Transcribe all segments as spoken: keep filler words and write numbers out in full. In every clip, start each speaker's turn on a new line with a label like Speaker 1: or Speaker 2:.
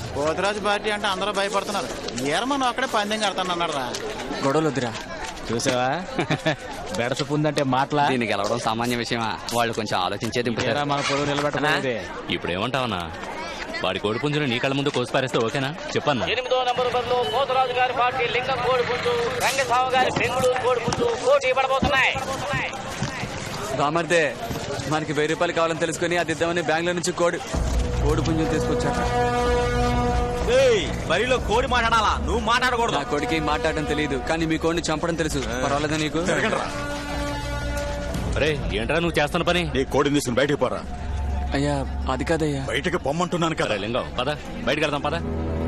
Speaker 1: Poturaju party అంటే అందరూ భయపడుతున్నారు. ఏరమని ఒక్కడే పందెం కడతాను అన్నాడు రా.
Speaker 2: గొడవలు వద్దురా.
Speaker 3: చూసావా బెడసపు ఉందంటే మాటలా.
Speaker 2: దీనికి గెలవడం సామాన్య విషయమా? వాళ్ళు కొంచెం ఆలోచించేది
Speaker 3: మన పొడవు నిలబెట్టలేదు.
Speaker 4: ఇప్పుడు ఏమంటావన్నా? వాడి కోడి పుంజును నీ కళ్ళ ముందు కోసి పారేస్తే ఓకేనా చెప్పన్నా?
Speaker 5: ఎనిమిదో నంబర్ బరిలో పోతురాజు గారి పార్టీ లింగం కోడి పుంజు, రంగస్వామి గారి బెంగుళూరు కోడి పుంజు పోటీ పడబోతున్నాయి.
Speaker 2: బామర్దే, మనకి వెయ్యి రూపాయలు కావాలని తెలుసుకుని అది ఇద్దామని బెంగళూరు నుంచి కోడి కోడి పుంజుని తీసుకొచ్చాక
Speaker 6: బరిలో కోడి మాట్లాడాలా? నువ్వు మాట్లాడకూడదు.
Speaker 2: నా కోడికి మాట్లాడడం తెలియదు, కానీ మీ కోడిని చంపడం తెలుసు. పర్వాలేదా నీకు?
Speaker 4: అరే ఏంట్రా నువ్వు చేస్తున్న పని?
Speaker 7: నీ కోడిని తీసుకుని బయటికి పోరా.
Speaker 2: అయ్యా అది కాదయ్యా.
Speaker 7: బయటికి పొమ్మంటున్నాను కదా.
Speaker 4: లింగం పద, బయటకు వెళ్దాం పద.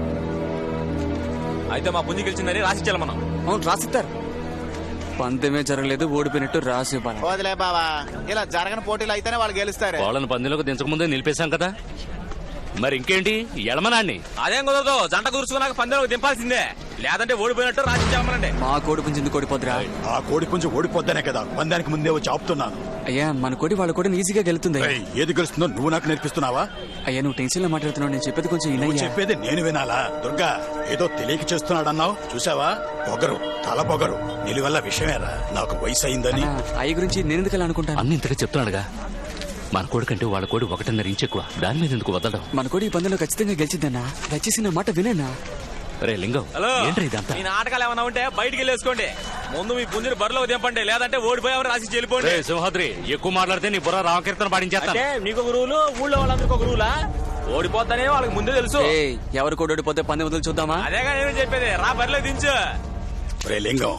Speaker 6: అయితే మా పుంజు గెలిచిందని రాసిచ్చాలి మనం.
Speaker 2: అవును రాసిస్తారు. పందెమే జరగలేదు, ఓడిపోయినట్టు రాసి ఇవ్వాలి.
Speaker 1: వదిలే బావా, ఇలా జరగని పోటీలు అయితేనే వాళ్ళు గెలుస్తారు.
Speaker 4: వాళ్ళని పందెంలోకి దించక ముందే నిలిపేశాం కదా, మరి ఇంకేంటి ఎలమనాన్ని?
Speaker 6: అదేం కుదరదు, జంట కూర్చున్నాక పందెంలోకి దింపాల్సిందే, లేదంటే ఓడిపోయినట్టు రాసిచ్చామనండి.
Speaker 2: మా కోడి పుంజు ఎందుకు ఓడిపోద్దురా?
Speaker 7: ఆ కోడి పుంజు ఓడిపోద్దనే కదా పందానికి ముందే వచ్చి ఆపుతున్నాను.
Speaker 2: అయ్యా మన కోడి వాళ్ళ కోడిని ఈజీగా గెలుతుంది.
Speaker 7: ఏది గెలుస్తుందో నువ్వు నాకు నేర్పిస్తున్నావా?
Speaker 2: అయ్యా నువ్వు టెన్షన్ లో మాట్లాడుతున్నావు, నేను చెప్పేది కొంచెం
Speaker 7: నువ్వు చెప్పేది నేను వినాలా? దుర్గా ఏదో తెలియక చేస్తున్నాడన్నావు, చూసావా? పొగరు, తల పొగరు, నిలువల్ల విషయమేరా. నాకు వయసు అయిందని.
Speaker 2: అయ్య గురించి నేను ఎందుకు అలా అనుకుంటాను?
Speaker 4: అన్ని ఇంతగా చెప్తున్నాడుగా. మన కోడి కంటే వాళ్ళ కోడి ఒకటిన్నర ఇంచు ఎక్కువ, దాని మీద ఎందుకు వదలడం?
Speaker 2: మన కోడి ఈ పందెంలో ఖచ్చితంగా గెలిచిద్దన్నా. దయచేసి నా మాట వినేనా?
Speaker 4: రే లింగం, ఏంట్రా ఇదంతా?
Speaker 6: మీ నాటకాలు ఏమన్నా ఉంటే బయటికి వెళ్ళేసుకోండి. ముందు మీ పుంజుని బరిలో దింపండి, లేదంటే ఓడిపోయామని రాసి వెళ్ళిపోండి.
Speaker 4: సింహాద్రి ఎక్కువ మాట్లాడితే నీ బుర్ర రామకీర్తన పాటించేస్తా.
Speaker 6: నీకు ఒక రూలు, ఊళ్ళో వాళ్ళందరికీ ఒక రూలా? ఓడిపోతానే వాళ్ళకి ముందే తెలుసు.
Speaker 2: ఎవరు కోడి ఓడిపోతే పందెం వదిలి చూద్దామా?
Speaker 6: అదేగా నేను చెప్పేది, రా బరిలో దించు.
Speaker 7: రే లింగం,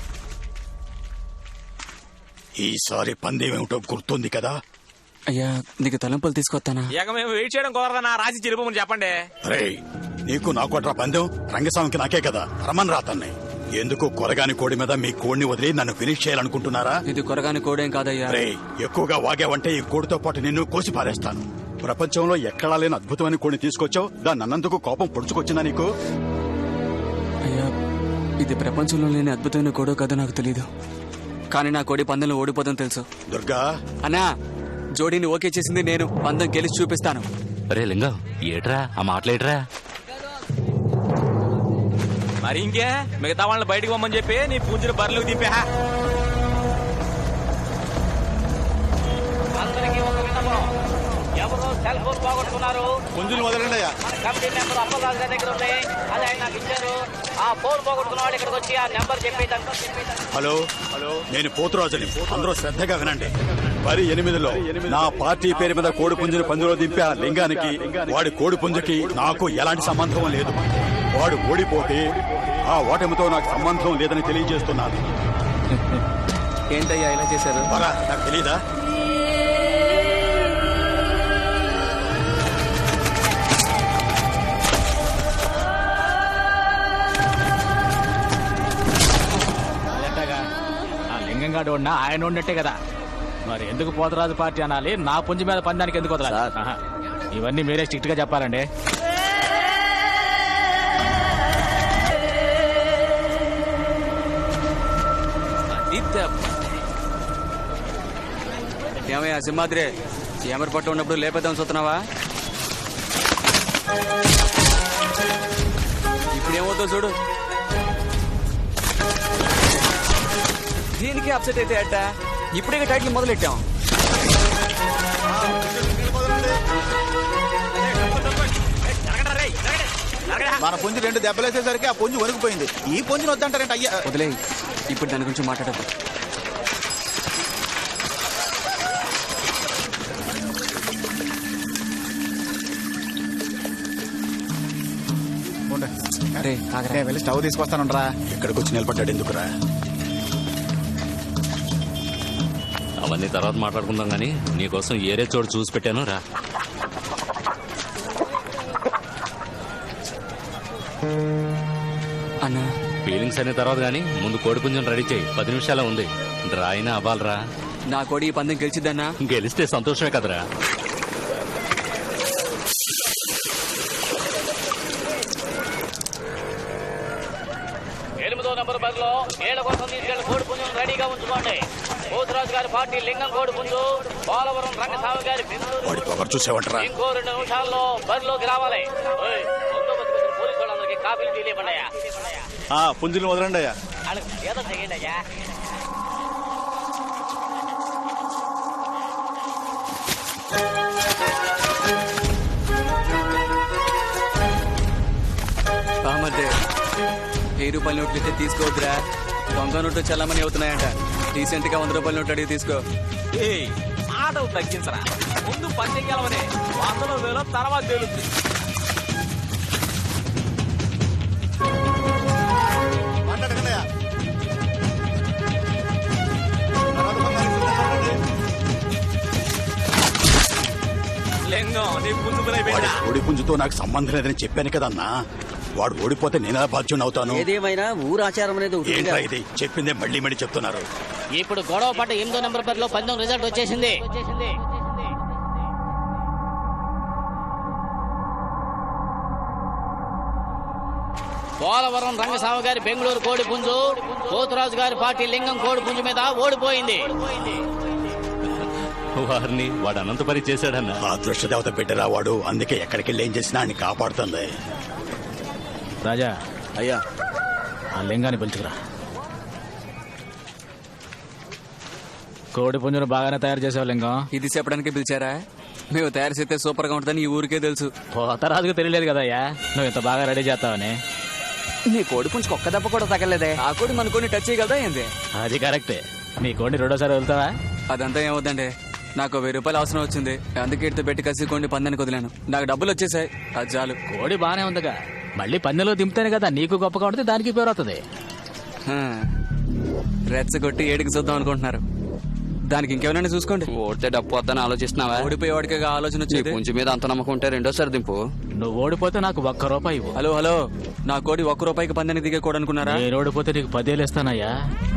Speaker 7: ఈసారి పందెం ఏమిటో గుర్తుంది కదా?
Speaker 2: అయ్యా నీకు తలంపులు తీసుకొస్తానా?
Speaker 6: ఇక మేము వెయిట్ చేయడం కుదరదన్నా, రాసి చెల్లిపోమని చెప్పండి.
Speaker 7: రే నీకు నాకోట్రా పందెం, రంగస్వామికి నాకే కదా. రమన్ రాతన్నాయి. ఎందుకు కొరగాని కోడి మీద మీ కోడిని వదిలి నన్ను ఫినిష్ చేయాలనుకుంటున్నారా?
Speaker 2: ఇది కొరగాని కోడేం కాదయ్యా.
Speaker 7: రే ఎక్కువగా వాగావంటే ఈ కోడితో పాటు నిన్ను కోసి పారేస్తాను. ప్రపంచంలో ఎక్కడా లేని అద్భుతమైన కోడిని తీసుకొచ్చావు, దాన్ని అన్నందుకు కోపం పొడుచుకొచ్చిందా నీకు?
Speaker 2: అయ్యా ఇది ప్రపంచంలో లేని అద్భుతమైన కోడో కాదో నాకు తెలీదు, కానీ నా కోడి పందెంలో ఓడిపోదని తెలుసు.
Speaker 7: దుర్గా
Speaker 2: అన్నా, జోడీని ఓకే చేసింది నేను, పందెం గెలిచి చూపిస్తాను.
Speaker 4: అరే లింగం ఏట్రా ఆ మాటలేట్రా?
Speaker 6: మరి ఇంకే మిగతా వాళ్ళని బయటకు పోమని చెప్పి నీ పుంజుని బరిలోకి దింపా.
Speaker 5: అందరికీ ఒక విన్నపం, ఎవరు సెల్ ఫోన్ పోగొట్టుకున్నారు
Speaker 1: పుంజుని వదలండి అయ్యా.
Speaker 5: మన కమిటీ నెంబర్ అప్పలరాజు గారి దగ్గర ఉంది, అది ఆయన నాకు ఇచ్చారు. ఆ ఫోన్ పోగొట్టుకున్న వాళ్ళు ఇక్కడికి వచ్చి ఆ నెంబర్ చెప్పేదాన్ని.
Speaker 7: హలో హలో నేను పోతురాజుని, అందరూ శ్రద్ధగా వినండి. మరి ఎనిమిదిలో నా పార్టీ పేరు మీద కోడి పుంజుని పందులో దింపా లింగానికి, వాడి కోడి పుంజుకి నాకు ఎలాంటి సంబంధం లేదు. వాడు ఓడిపోతే ఆ ఓటమితో నాకు సంబంధం లేదని తెలియజేస్తున్నాను.
Speaker 2: ఏంటయ్యా ఇలా చేశారు?
Speaker 7: నాకు తెలీదా?
Speaker 3: లింగంగాడు ఉన్నా ఆయన ఉన్నట్టే కదా, మరి ఎందుకు పోతరాజు పార్టీ అనాలి? నా పుంజు మీద పందానికి ఎందుకు వదలాలి? ఇవన్నీ మీరే స్ట్రిక్ట్ గా చెప్పాలండి.
Speaker 2: ఏమయ్యా సింహాద్రి, ఏమరి పట్టు ఉన్నప్పుడు లేపేద్దాం చూస్తున్నావా? ఇప్పుడు ఏమవుతుందో చూడు. దీనికి అప్సెట్ అయితే అట్ట, ఇప్పుడే టైటిల్ మొదలెట్టాం.
Speaker 1: మన పుంజు రెండు దెబ్బలేసేసరికి ఆ పుంజు వణికిపోయింది. ఈ పుంజుని వద్దంటారంట అయ్యా.
Speaker 2: వదిలే, ఇప్పుడు దాని గురించి మాట్లాడదు.
Speaker 1: వెళ్ళి స్టవ్ తీసుకొస్తానురా.
Speaker 7: ఇక్కడికి వచ్చి నిలబడ్డాడు ఎందుకురా?
Speaker 4: అవన్నీ తర్వాత మాట్లాడుకుందాం గానీ నీకోసం ఏరే చోటు చూసి పెట్టాను రా.
Speaker 2: అన్నా
Speaker 4: ఫీలింగ్స్ అనే తర్వాత గానీ ముందు కోడి పుంజుని రెడీ చేయి. పది నిమిషాలే ఉంది, డ్రా అయినా అవ్వాలరా.
Speaker 2: నా కోడి ఈ పందెం గెలిచిద్దన్నా?
Speaker 4: గెలిస్తే సంతోషమే కదరా.
Speaker 5: ఎనిమిదో నంబర్ బరిలో ఏళ్ల కోసం తీసుకెళ్లిన కోడి పుంజును రెడీగా ఉంచుకోండి. పోతురాజు గారి పార్టీ లింగం కోడి పుంజు, పోలవరం రంగస్వామి గారి
Speaker 7: చూసేవంటరా.
Speaker 5: ఇంకో రెండు నిమిషాల్లో బరిలోకి రావాలి. ట్రాఫిక్ తెలియకుండా
Speaker 1: ఆ పుంజులు వదలండి అయ్యా.
Speaker 5: ఏదో తెగండి అయ్యా.
Speaker 2: బామర్దే వెయ్యి రూపాయల నోట్లు ఇస్తే తీసుకోవద్దురా. దొంగ నోట్లు చల్లమని అవుతున్నాయంట. రీసెంట్ గా వంద రూపాయల నోట్లు అడిగి తీసుకో.
Speaker 6: ఏయ్ ఆటలు తగ్గించరా, ముందు పందెం గెలవనే, వందలో వేలో తర్వాత తేలుద్ది.
Speaker 1: మాట్లాడకండి అయ్యా. తర్వాత బంగారం ఇస్తుందండి.
Speaker 6: లింగం నీ పుంజుకునే బిడ్డ.
Speaker 7: వాడి కోడి పుంజుతో నాకు సంబంధం లేదని చెప్పాను కదన్నా. వాడు ఓడిపోతే నేనా బాధ్యుని అవుతాను.
Speaker 8: ఏదేమైనా ఊరు ఆచారం అనేది ఒకటి
Speaker 7: ఏంట్రా ఇది చెప్పిందే మళ్ళీ మళ్ళీ చెప్తున్నారు.
Speaker 5: ఇప్పుడు గొడవ పట్ట ఎనిమిదో నెంబర్ బరిలో పందెం రిజల్ట్ వచ్చేసింది. పోలవరం రంగస్వామి గారి బెంగళూరు కోడి పుంజు పోతురాజు గారి పార్టీ లింగం కోడి పుంజు మీద ఓడిపోయింది.
Speaker 4: వారిని వాడు అనంతపరి చేశాడన్న.
Speaker 7: ఆ దృష్టదేవత బిడ్డరా వాడు. అందుకే ఎక్కడికి వెళ్ళి ఏం చేసినా అని కాపాడుతుంది.
Speaker 3: రాజా
Speaker 2: అయ్యా
Speaker 3: ఆ లింగాన్ని పిలుచుకురా. కోడి పుంజును బాగానే తయారు చేసావు లింగం.
Speaker 2: ఇది చెప్పడానికి పిలిచారా? మేము తయారు చేస్తే సూపర్ గా ఉంటుందని ఈ ఊరికే తెలుసు.
Speaker 3: పోతరాజుకు తెలియలేదు కదయ్యా నువ్వు ఇంత బాగా రెడీ చేస్తావని.
Speaker 2: నీ కోడి పుంజుకు ఒక్క దెబ్బ కూడా తగలేదే. ఆ కోడి మన కొన్ని టచ్ చేయగలదా ఏంది?
Speaker 3: అది కరెక్టే. నీ కోడిని రెండోసారి వెళ్తావా?
Speaker 2: అదంతా ఏమవుద్దండి, నాకు వెయ్యి రూపాయలు అవసరం వచ్చింది. అందుకే ఇటు పెట్టి కసి కొండి పందానికి వదిలాను. నాకు డబ్బులు వచ్చేసాయి, అది చాలు.
Speaker 3: కోడి బానే ఉందిగా, మళ్ళీ పందెంలో దింపుతానే కదా నీకు గొప్పగా ఉంటుంది, దానికి పేరు వస్తుంది.
Speaker 2: హా, రెచ్చగొట్టి ఏడికి చూద్దాం అనుకుంటున్నారు. దానికి ఇంకేమైనా చూసుకోండి.
Speaker 9: ఓడితే డబ్బు వద్దని ఆలోచిస్తున్నావా?
Speaker 2: ఓడిపోయేవాడికి ఆలోచన వచ్చేది.
Speaker 9: పుంజు మీద అంత నమ్మకం ఉంటే రెండోసారి దింపు.
Speaker 3: నువ్వు ఓడిపోతే నాకు ఒక్క రూపాయి ఇవ్వు.
Speaker 2: హలో హలో, నా కోడి ఒక్క రూపాయికి పందానికి దిగే కోడి అనుకున్నారా?
Speaker 3: నేను ఓడిపోతే నీకు పదేళ్ళు ఇస్తానయ్యా.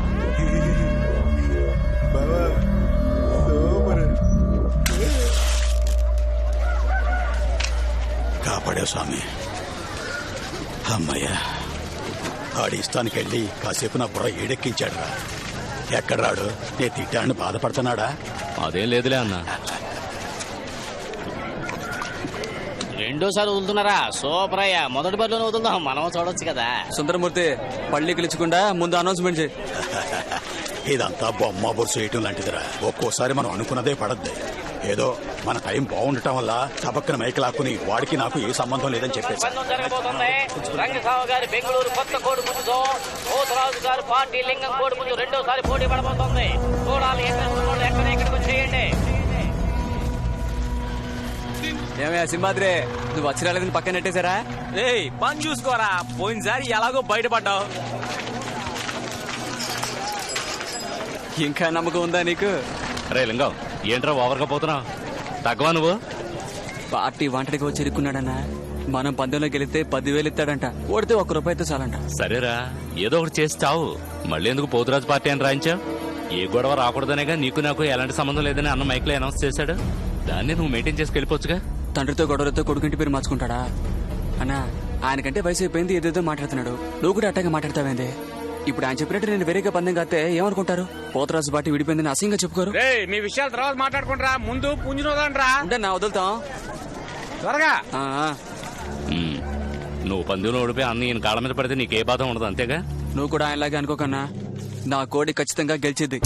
Speaker 7: కాపాడే స్వామి. అమ్మయ్యా, ఆడి ఇష్టానికి వెళ్ళి కాసేపు నా బుర్ర ఏడెక్కించాడు రా. ఎక్కడ రాడు? నేను తిట్టాన్ని బాధపడుతున్నాడా?
Speaker 4: అదేం లేదులే అన్న.
Speaker 5: రెండోసారి వదులుతున్నారా? సూపర్ అయ్యా. మొదటి బరిలోనే వదులుదాం, మనం చూడొచ్చు కదా.
Speaker 2: సుందరమూర్తి, పళ్ళి గెలుచుకుండా ముందు అనౌన్స్మెంట్ చేయి.
Speaker 7: ఇదంతా బొమ్మ బొరుసు వేయటం లాంటిదిరా. ఒక్కోసారి మనం అనుకున్నదే పడద్ది. ఏదో మన టైం బాగుండటం వల్ల సబక్కన మైకి లాక్కుని వాడికి నాకు ఏ సంబంధం లేదని చెప్పేసి
Speaker 5: పందెం జరగబోతుంది. రంగస్వామి గారి బెంగళూరు కొత్త కోడి పుంజుతో పోతురాజు గారి పార్టీ లింగం కోడి పుంజు రెండోసారి పోటీ పడబోతోంది. చూడాలి ఎక్కడ ఉన్నోళ్ళు ఎక్కడ ఎక్కడికి వచ్చేయండి.
Speaker 2: ఏమయ్యా సింహాద్రి, నువ్వు వచ్చి రాలేదని పక్కన నెట్టేశారా?
Speaker 6: ఏయ్ పని చూసుకోరా, పోయినసారి ఎలాగో బయటపడ్డావు.
Speaker 2: ఇంకా నమ్మకం ఉందా నీకు?
Speaker 4: రే లింగం, ఏంట్రా ఓవర్గా పోతున్నావు? తగ్గవా నువ్వు?
Speaker 2: పార్టీ వంటడికి వచ్చి ఇరుక్కున్నాడన్నా. మనం పందెంలో గెలిస్తే పదివేలు ఇస్తాడంట. ఓడితే ఒక్క రూపాయితో చాలంట.
Speaker 4: సరేరా, ఏదో ఒకటి చేసి చావు. మళ్ళీ ఎందుకు పోతురాజు పార్టీ అని రాయించావు? ఏ గొడవ రాకూడదనేగా నీకు నాకు ఎలాంటి సంబంధం లేదని అన్న మైక్ లో అనౌన్స్ చేశాడు. దాన్ని నువ్వు మెయింటైన్ చేసి వెళ్ళిపోవచ్చుగా.
Speaker 2: తండ్రితో గొడవలతో కొడుకుంటి పేరు మార్చుకుంటాడా? అన్నా, ఆయనకంటే వయసు అయిపోయింది, ఏదేదో మాట్లాడుతున్నాడు. నువ్వు కూడా అట్టగా మాట్లాడతావేంది? ఇప్పుడు ఆయన చెప్పినట్టు నేను వేరేగా పందెం కాస్తే ఏమనుకుంటారు? పోతరాజు పార్టీ విడిపోయిందని అసహ్యంగా చెప్పుకోరు.
Speaker 6: మీ విషయాలు తర్వాత మాట్లాడుకుంటారా, ముందు పుంజునోదండ్రా.
Speaker 2: అంటే నా వదులుతాం
Speaker 6: త్వరగా.
Speaker 2: ఆ,
Speaker 4: ఉమ్, నువ్వు పందెంలో ఓడిపోయి అన్న ఈయన కాళ్ళ మీద పడితే నీకే బాధ ఉండదు, అంతేగా?
Speaker 2: నువ్వు కూడా ఆయనలాగే అనుకోకన్నా. నా కోడి ఖచ్చితంగా గెలిచిద్ది.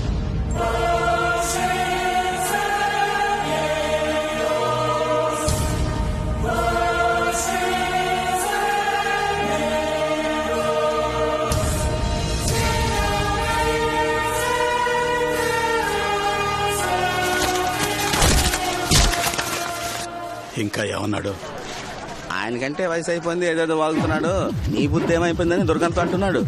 Speaker 7: ఇంకా ఏమన్నాడు?
Speaker 1: ఆయనకంటే వయసు అయిపోయింది, ఏదేదో వాగుతున్నాడు. నీ బుద్ధి ఏమైపోయిందని దుర్గంతో అంటున్నాడు.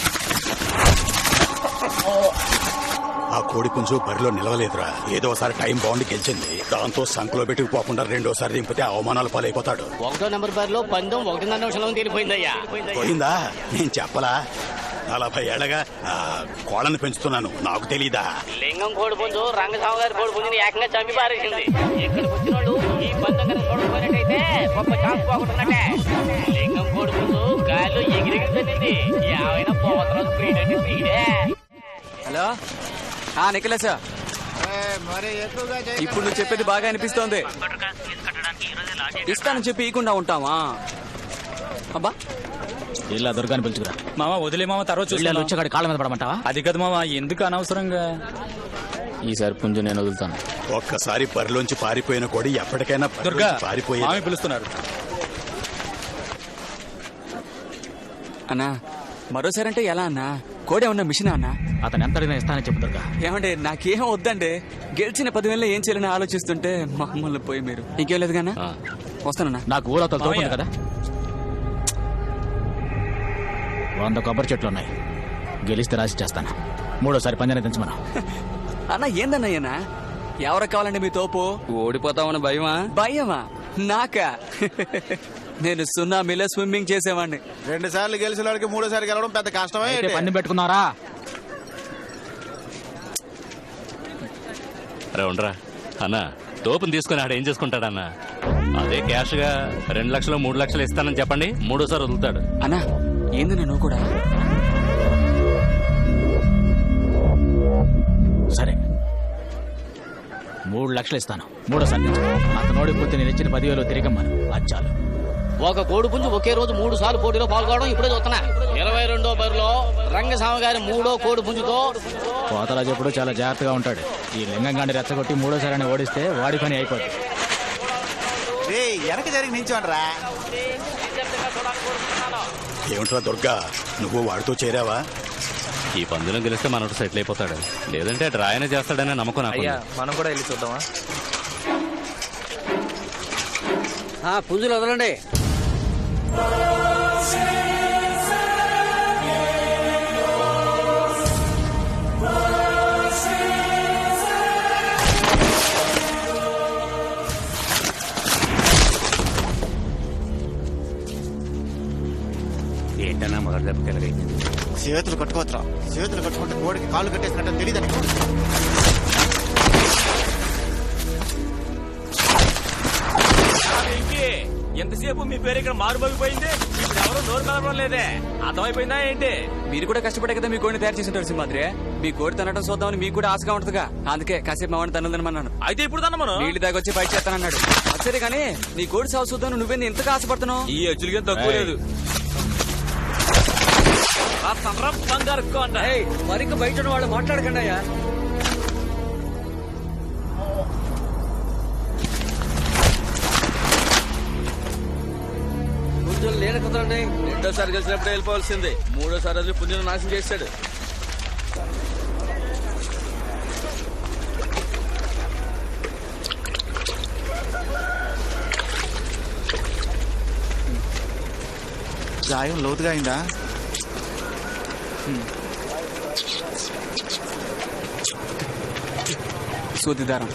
Speaker 7: ఆ కోడి పుంజు బరిలో నిలవలేదురా. ఏదోసారి టైం బాగుండి గెలిచింది. దాంతో సంకలో పెట్టుకుపోకుండా రెండోసారి దింపితే అవమానాల పాలైపోతాడు.
Speaker 5: ఒకటో నెంబర్ బరిలో పందెం ఒకటిన్నర నిమిషంలో తీరిపోయిందయ్యా.
Speaker 7: పోయిందా? నేను చెప్పలా? నలభై ఏళ్ళగా ఆ, కోళ్ళని పెంచుతున్నాను, నాకు తెలీదా?
Speaker 5: లింగం కోడి పుంజు రంగస్వామి గారి కోడి పుంజుని ఏకంగా చంపి పారేసింది. ఇక్కడికి వచ్చిన వాళ్ళు ఈ పందెం కనుక చూడకపోయినట్టయితే గొప్ప ఛాన్స్ పోగొట్టున్నట్టే. లింగం కోడి పుంజు గాలిలో ఎగిరెగిరి తల్లింది. ఏమైనా పోతరాజు స్పీడ్ అంటే స్పీడే.
Speaker 2: హలో, ఆ నిఖిలేశ, ఇప్పుడు నువ్వు చెప్పేది బాగా అనిపిస్తోంది. ఇస్తానని చెప్పి ఇకుండా ఉంటావా? అబ్బా,
Speaker 3: ఇలా దుర్గాని పిలుచుకురా.
Speaker 6: మామ వదిలే మామ తర్వాత
Speaker 3: వీళ్ళు వచ్చి కాళ్ళ మీద పడమంటావా?
Speaker 6: అది కదా మామ, ఎందుకు అనవసరంగా.
Speaker 3: ఈసారి పుంజు నేను వదులుతాను.
Speaker 7: ఒక్కసారి బరిలోంచి పారిపోయిన కోడి ఎప్పటికైనా
Speaker 6: దుర్గా
Speaker 7: పారిపోయి
Speaker 6: మామి పిలుస్తున్నారు.
Speaker 2: అన్నా మరోసారి అంటే ఎలా అన్నా? కోడే ఉన్న మిషన్ అన్నా?
Speaker 3: అతను ఎంత అడిగినా ఇస్తానని చెప్పు దుర్గా.
Speaker 2: ఏమంటే నాకేం వద్దండి. గెలిచిన పదివేలలో ఏం చేయాలని ఆలోచిస్తుంటే మమ్మల్ని పోయి మీరు ఇంకేం లేదు కన్నా. వస్తానన్నా.
Speaker 3: నాకు ఊరతో తోపుంది కదా, వంద కొబ్బరి చెట్లు ఉన్నాయి. గెలిస్తే రాసి చేస్తాను. మూడోసారి పంజాన్ని తెంచమను.
Speaker 2: అన్న ఏందన్నయ్యనా? ఎవరికి కావాలండి మీ తోపు?
Speaker 9: ఓడిపోతామని భయమా?
Speaker 2: భయమా? నాకా? నేను సున్నామీలో స్విమ్మింగ్ చేసేవాడిని.
Speaker 1: రెండు సార్లు గెలిచిన వాడికి మూడోసారి గెలవడం పెద్ద కష్టమే.
Speaker 3: అయితే పన్ను పెట్టుకున్నారా?
Speaker 4: అరే ఉండరా అన్న, తోపుని తీసుకుని ఆడ ఏం చేసుకుంటాడన్న? అదే క్యాష్ గా రెండు లక్షలు మూడు లక్షలు ఇస్తానని చెప్పండి, మూడోసారి వదులుతాడు.
Speaker 2: అన్నా ఏందన్నా నువ్వు కూడా?
Speaker 3: సరే, మూడు లక్షలు ఇస్తాను. మూడోసారి తెచ్చు. అతను ఓడిపోతే నేను ఇచ్చిన పదివేలు తిరిగమ్మను. అది చాలు.
Speaker 5: ఒక కోడి పుంజు ఒకే రోజు మూడు సార్లు పోటీలో పాల్గొనడం ఇప్పుడే చూస్తున్నా. ఇరవై రెండో బరిలో రంగస్వామి గారి మూడో కోడి పుంజుతో
Speaker 3: కోతరాజు ఎప్పుడు చాలా జాగ్రత్తగా ఉంటాడు. ఈ లింగంగాన్ని రెచ్చగొట్టి మూడోసారి ఓడిస్తే వాడి పని అయిపోతుంది.
Speaker 1: వెనక జరిగి నించోండ్రా.
Speaker 7: ఏమిట్రా దుర్గా, నువ్వు వాడితో చేరావా?
Speaker 4: ఈ పందులో గెలిస్తే మనోడు సెటిల్ అయిపోతాడు, లేదంటే డ్రాయనే చేస్తాడనే నమ్మకం నాకు.
Speaker 6: మనం కూడా వెళ్ళి చూద్దామా?
Speaker 8: పుంజులు వదలండి.
Speaker 1: ఏంటన్నా మొదటి దెబ్బకి ఎలాగైంది?
Speaker 10: చేతులు కట్టుకోవచ్చురా. చేతులు కట్టుకుంటే కోడికి కాళ్ళు కట్టేసినట్టు తెలియదని.
Speaker 6: ఎంతసేపు మీ పేరు ఇక్కడ మారుమోగిపోయింది, ఇప్పుడు ఎవరు నోరు కలవడం లేదే. అర్థమైపోయిందా ఏంటి?
Speaker 2: మీరు కూడా కష్టపడే కదా మీ కోడిని తయారు చేసింటారు సింహాద్రి. మీ కోడి తినడం చూద్దామని మీకు కూడా ఆశగా ఉంటుందిగా, అందుకే కాసేపు మా వాడిని తనదనమన్నాను.
Speaker 6: అయితే ఇప్పుడు తన మనం
Speaker 2: నీళ్ళు దాగొచ్చి బయట చేస్తానన్నాడు. సరే కానీ నీ కోడి సాగు చూద్దాం, నువ్వేంది ఇంతగా ఆశపడుతున్నావు?
Speaker 6: ఈ అచ్చులకి తక్కువ లేదు.
Speaker 8: మరికి బయట ఉన్న వాళ్ళు మాట్లాడకండి అయ్యా. పుంజులు నేను కుదరండి.
Speaker 1: రెండోసారి గెలిచినప్పుడు వెళ్ళిపోవాల్సిందే. మూడోసారి అది పుంజును నాశనం చేశాడు.
Speaker 10: గాయం లోతుగా అయిందా?
Speaker 2: సూదిదారం.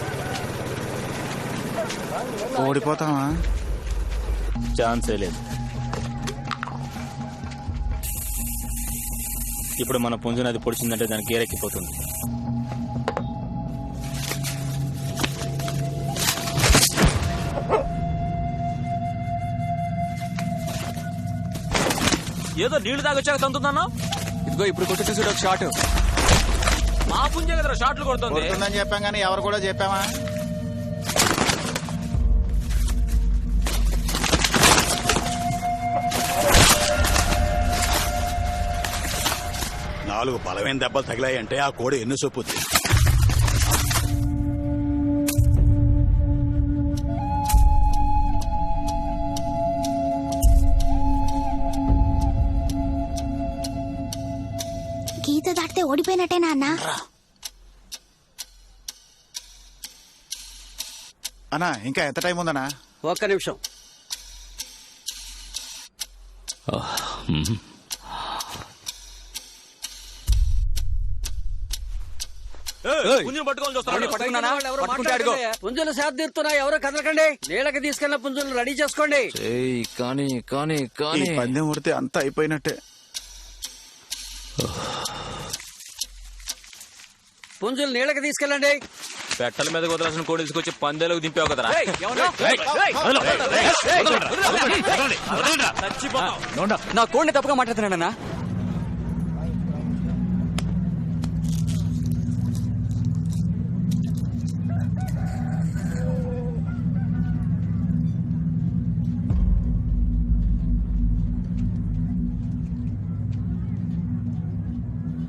Speaker 10: ఓడిపోతావా?
Speaker 6: ఛాన్సే లేదు. ఇప్పుడు మన పుంజుని అది పొడిచిందంటే దానికి గేరెక్కిపోతుంది. ఏదో నీళ్లు తాగొచ్చాక తంతున్నాను.
Speaker 2: ఇదిగో ఇప్పుడు కొట్టు చూసాడు ఒక షాట్.
Speaker 6: మా పుంజే కదా షాట్లు కొడుతుంది.
Speaker 10: కొడుతుందని చెప్పాం కానీ ఎవరు కూడా చెప్పామా?
Speaker 7: నాలుగు బలమైన దెబ్బలు తగిలాయంటే ఆ కోడి ఎన్ను సొప్పుద్ది.
Speaker 11: గీత దాటితే ఓడిపోయినట్టేనా అన్నా?
Speaker 10: అన్నా ఇంకా ఎంత టైం ఉందన్నా?
Speaker 8: ఒక్క నిమిషం.
Speaker 6: పుంజుని పట్టుకొని చూస్తాను.
Speaker 2: పట్టుకున్నానా? పట్టుకుంటే అడుగు.
Speaker 8: పుంజులు సేద తీరుతున్నాయి. ఎవరో కదలకండి. నీళ్ళకి తీసుకెళ్లిన పుంజులు రెడీ చేసుకోండి.
Speaker 9: కానీ కానీ
Speaker 10: ఈ
Speaker 9: కానీ
Speaker 10: పందెం ఉడితే అంతా అయిపోయినట్టే.
Speaker 8: పుంజులు నీళ్ళకి తీసుకెళ్ళండి.
Speaker 6: పెట్టల మీద కుదరాల్సిన కోడి తీసుకొచ్చి పందేలకు దింపావు కదరా.
Speaker 2: నా కోడిని తప్పుగా మాట్లాడుతున్నాడన్నా.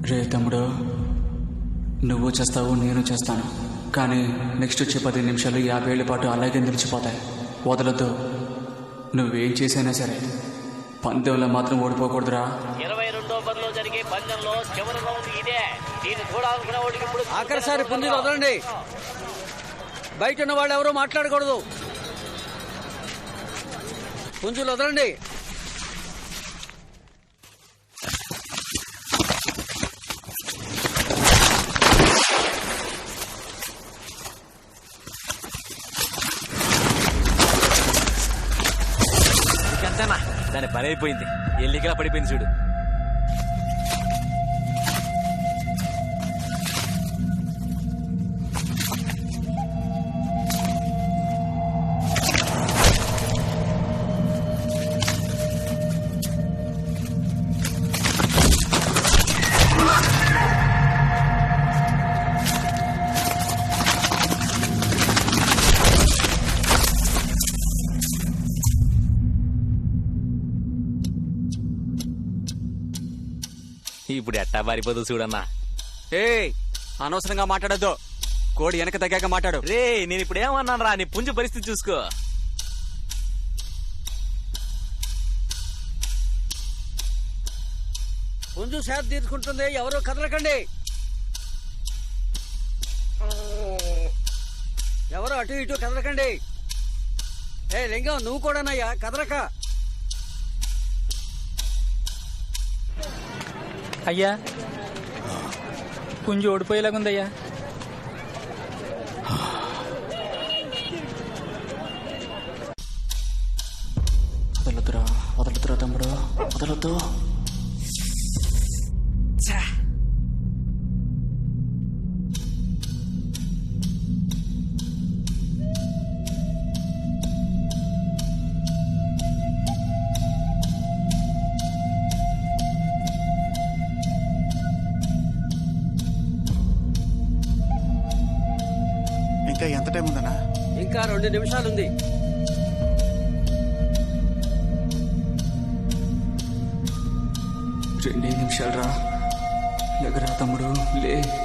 Speaker 2: రే తమ్ముడు, నువ్వు చేస్తావు, నేను చేస్తాను. కానీ నెక్స్ట్ వచ్చే పది నిమిషాలు యాభై ఏళ్ళ పాటు అలాగే నిలిచిపోతాయి. వదలొద్దు. నువ్వేం చేసైనా సరే పందెంలో మాత్రం ఓడిపోకూడదురా.
Speaker 5: ఇరవై రెండో పదిలో జరిగే పందెంలో చివరి రౌండ్ ఇదే. దీన్ని చూడాలనుకునే వాడికి ఇప్పుడు
Speaker 8: ఆఖరిసారి పుంజులు వదలండి. బయట ఉన్న వాళ్ళు ఎవరూ మాట్లాడకూడదు. పుంజులు వదలండి.
Speaker 6: అంతేనా, దాని పని అయిపోయింది. ఎల్లికలా పడిపోయింది చూడు. ఇప్పుడు ఎట్టా పారిపోదు చూడన్నా.
Speaker 2: ఏ అనవసరంగా మాట్లాడద్దు. కోడి వెనక తగ్గాక మాట్లాడు.
Speaker 6: రే, నేను ఇప్పుడు ఏమన్నాను రా, నీ పుంజు పరిస్థితి చూసుకో.
Speaker 8: పుంజు సేద తీర్చుకుంటుంది. ఎవరూ కదలకండి. ఎవరు అటు ఇటు కదలకండి. ఏ లింగం, నువ్వు కూడానయ్యా కదలక.
Speaker 3: అయ్యా, పుంజు ఓడిపోయేలాగుందయ్యా.
Speaker 2: వదలొద్దురా, వదలొద్దురా తమ్ముడు, వదలొద్దు.
Speaker 10: ఇంకా ఎంత టైం ఉందన్నా?
Speaker 8: ఇంకా రెండు నిమిషాలుంది.
Speaker 2: రెండే నిమిషాలు రా. లేకరా తమ్ముడు, లే.